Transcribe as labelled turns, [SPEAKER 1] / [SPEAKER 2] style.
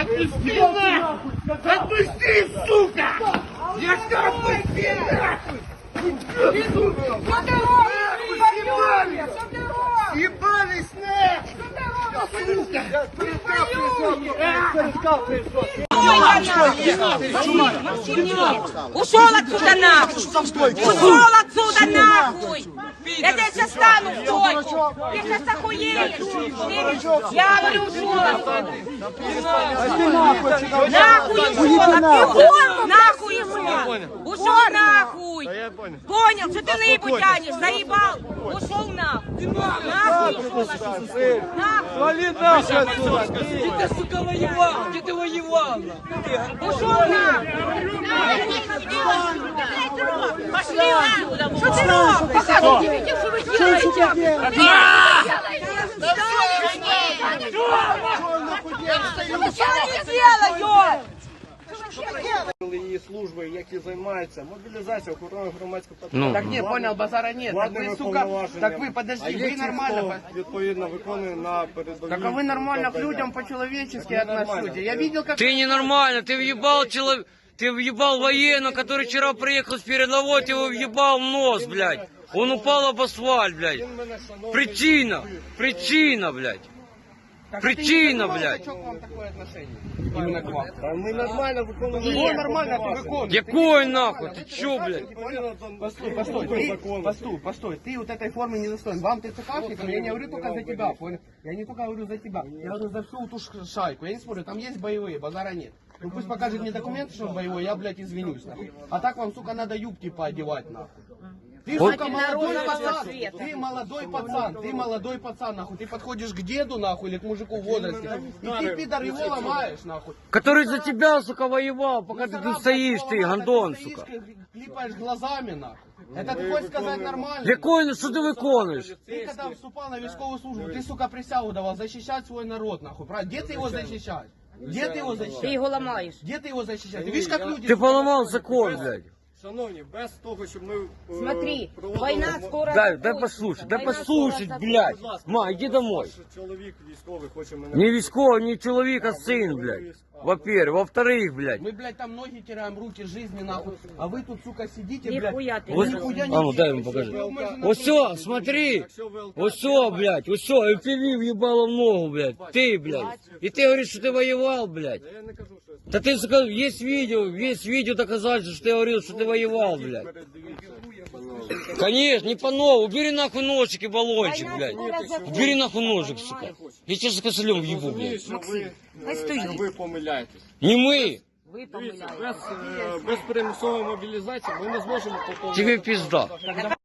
[SPEAKER 1] Отпусти нахуй! Отпусти, сука! Я сказал, отпусти нахуй! Ебались нахуй!
[SPEAKER 2] Ушел отсюда нахуй! Ушел отсюда нахуй! Я тебя сейчас стану в стойку! Ты сейчас охуеешь! Я говорю, ушел отсюда! Нахуй ушел! Нахуй ушел! Ушел нахуй! Понял, что ты наебу тянешь? Заебал! Ушел нахуй! Нахуй ушел отсюда!
[SPEAKER 3] Вали нахуй отсюда! Где ты, сука, воевал? Где ты воевал?
[SPEAKER 2] Ушел нахуй! Пошли нахуй! Что ты робишь? Что вы делаете? Что они делают?
[SPEAKER 4] Її служби, які займаються мобілізацією, охороною громадського порядку.
[SPEAKER 1] Так не, понял, базара нет. Так вы, сука, так вы, подожди, вы нормально...
[SPEAKER 4] Відповідно, виконує на передовій.
[SPEAKER 1] Так а вы нормально к людям по-человечески относитесь. Я видел, как...
[SPEAKER 5] Ты ненормально, ты въебал человека, ты въебал военного, который вчера приехал с передовой, ты его въебал в нос, блядь. Он упал об асфальт, блядь. Причина, блядь. Причина, блядь.
[SPEAKER 1] Что к вам такое отношение? Именно к вам.
[SPEAKER 4] А ми нормально виконуємо.
[SPEAKER 1] Его нормально ты выполнишь.
[SPEAKER 5] Якой нахуй, ты чё, блядь?
[SPEAKER 1] Постой, ты вот этой формы не достоин. Вам ты ЦКшником, я не говорю только за тебя, понял? Я не только говорю за тебя, я говорю за всю эту шайку. Я не спорю, там есть боевые, базара нет. Ну пусть покажет мне документы, что он боевой, я, блядь, извинюсь, нахуй. А так вам, сука, надо юбки поодевать, нахуй. Ты, сука, молодой пацан, ты молодой пацан, нахуй, ты подходишь к деду, нахуй, или к мужику в возрасте, и ты, пидор, его ломаешь, нахуй.
[SPEAKER 5] Который за тебя, сука, воевал, пока ты тут стоишь, ты, гандон, сука.
[SPEAKER 1] Клипаешь глазами, нахуй. Это ты хочешь сказать нормально?
[SPEAKER 5] Якой, что ты выконываешь?
[SPEAKER 1] Ты когда вступал на військовую службу, ты, сука, присягу давал защищать свой народ, нахуй, правильно? Где ты его защищаешь? Где ты его
[SPEAKER 2] Ты
[SPEAKER 1] защищаешь?
[SPEAKER 2] его ломаешь.
[SPEAKER 1] Где ты его защищаешь? Ты видишь, как люди...
[SPEAKER 5] Ты поломал закон, блядь.
[SPEAKER 4] Шановні, без того, щоб ми
[SPEAKER 2] Смотри, война скоро...
[SPEAKER 5] Дай послушать, блядь. Ма, иди домой.
[SPEAKER 4] чоловік військовий хоче мене...
[SPEAKER 5] Не військовый, не человек, а сын, блядь. Во-первых. Во-вторых, блядь.
[SPEAKER 1] Мы, блядь, там ноги теряем, руки, жизни, нахуй. А вы тут, сука, сидите, блядь.
[SPEAKER 2] Нихуя ты.
[SPEAKER 5] Вот,
[SPEAKER 1] нихуя не
[SPEAKER 5] а ну дай ему
[SPEAKER 1] делаете.
[SPEAKER 5] покажи. Вот все, смотри. Вот все, блядь. Вот все. И ты въебало в ногу, блядь. Ты, блядь. И ты говоришь, что ты воевал, блядь.
[SPEAKER 4] Я не кажу, що
[SPEAKER 5] Да ты сказал, есть видео доказательства, что ты говорил, что ты воевал, блядь. Конечно, не по новому. Убери нахуй ножик и баллончик, блядь. Убери нахуй ножик, сука. Я тебя с косылем въебу, блядь.
[SPEAKER 4] що ви помиляєтесь.
[SPEAKER 5] Не мы.
[SPEAKER 2] Вы помыляете.
[SPEAKER 4] Без примусової мобілізації ми не зможемо...
[SPEAKER 5] Тебе пизда.